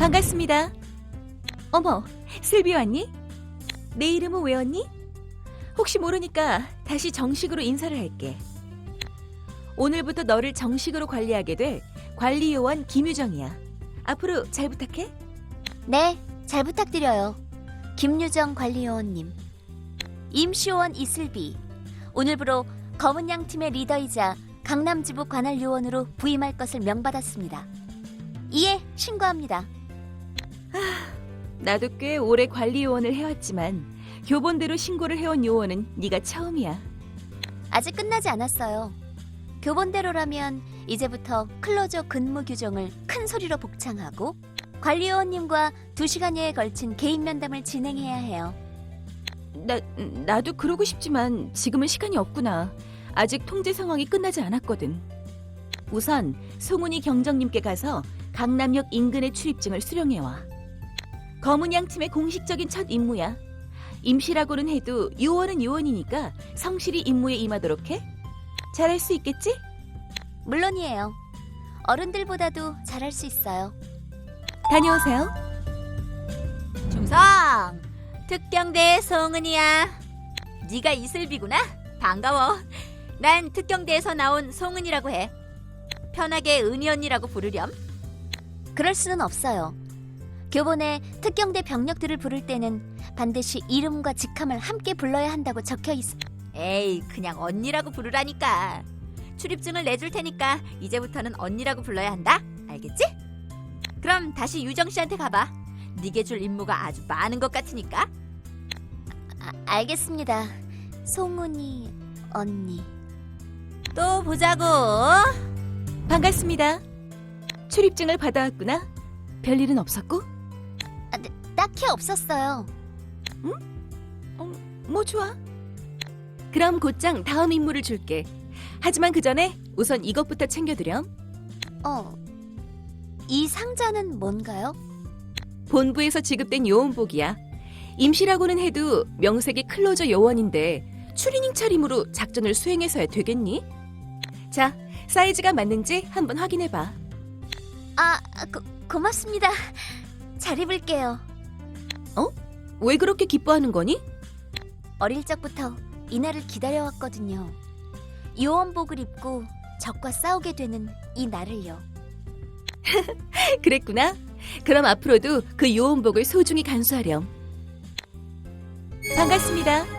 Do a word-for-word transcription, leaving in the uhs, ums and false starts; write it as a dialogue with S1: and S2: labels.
S1: 반갑습니다. 어머, 슬비 왔니? 내 이름은 외웠니? 혹시 모르니까 다시 정식으로 인사를 할게. 오늘부터 너를 정식으로 관리하게 될 관리요원 김유정이야. 앞으로 잘 부탁해.
S2: 네, 잘 부탁드려요. 김유정 관리요원님. 임시요원 이슬비. 오늘부로 검은 양 팀의 리더이자 강남지부 관할요원으로 부임할 것을 명받았습니다. 이에 신고합니다.
S1: 나도 꽤 오래 관리요원을 해왔지만 교본대로 신고를 해온 요원은 네가 처음이야.
S2: 아직 끝나지 않았어요. 교본대로라면 이제부터 클로저 근무 규정을 큰 소리로 복창하고 관리요원님과 두 시간여에 걸친 개인 면담을 진행해야 해요.
S1: 나, 나도 그러고 싶지만 지금은 시간이 없구나. 아직 통제 상황이 끝나지 않았거든. 우선 송은이 경정님께 가서 강남역 인근의 출입증을 수령해와. 검은 양 팀의 공식적인 첫 임무야. 임시라고는 해도 요원은 요원이니까 성실히 임무에 임하도록 해. 잘할 수 있겠지?
S2: 물론이에요. 어른들보다도 잘할 수 있어요.
S1: 다녀오세요.
S3: 중성! 특경대 송은이야. 네가 이슬비구나? 반가워. 난 특경대에서 나온 송은이라고 해. 편하게 은희 언니라고 부르렴.
S2: 그럴 수는 없어요. 교본에 특경대 병력들을 부를 때는 반드시 이름과 직함을 함께 불러야 한다고 적혀 있어.
S3: 에이, 그냥 언니라고 부르라니까. 출입증을 내줄 테니까 이제부터는 언니라고 불러야 한다. 알겠지? 그럼 다시 유정 씨한테 가봐. 네게 줄 임무가 아주 많은 것 같으니까.
S2: 아, 알겠습니다. 송은이 언니.
S3: 또 보자고.
S1: 반갑습니다. 출입증을 받아왔구나. 별일은 없었고?
S2: 아, 네, 딱히 없었어요.
S1: 뭐 좋아. 그럼 곧장 다음 임무를 줄게. 하지만 그 전에 우선 이것부터 챙겨드렴.
S2: 어, 이 상자는 뭔가요?
S1: 본부에서 지급된 요원복이야. 임시라고는 해도 명색이 클로저 요원인데 추리닝 차림으로 작전을 수행해서야 되겠니? 자, 사이즈가 맞는지 한번 확인해봐.
S2: 아, 고, 고맙습니다. 잘 입을게요.
S1: 왜 그렇게 기뻐하는 거니?
S2: 어릴 적부터 이날을 기다려왔거든요. 요원복을 입고 적과 싸우게 되는 이 날을요.
S1: 그랬구나. 그럼 앞으로도 그 요원복을 소중히 간수하렴. 반갑습니다.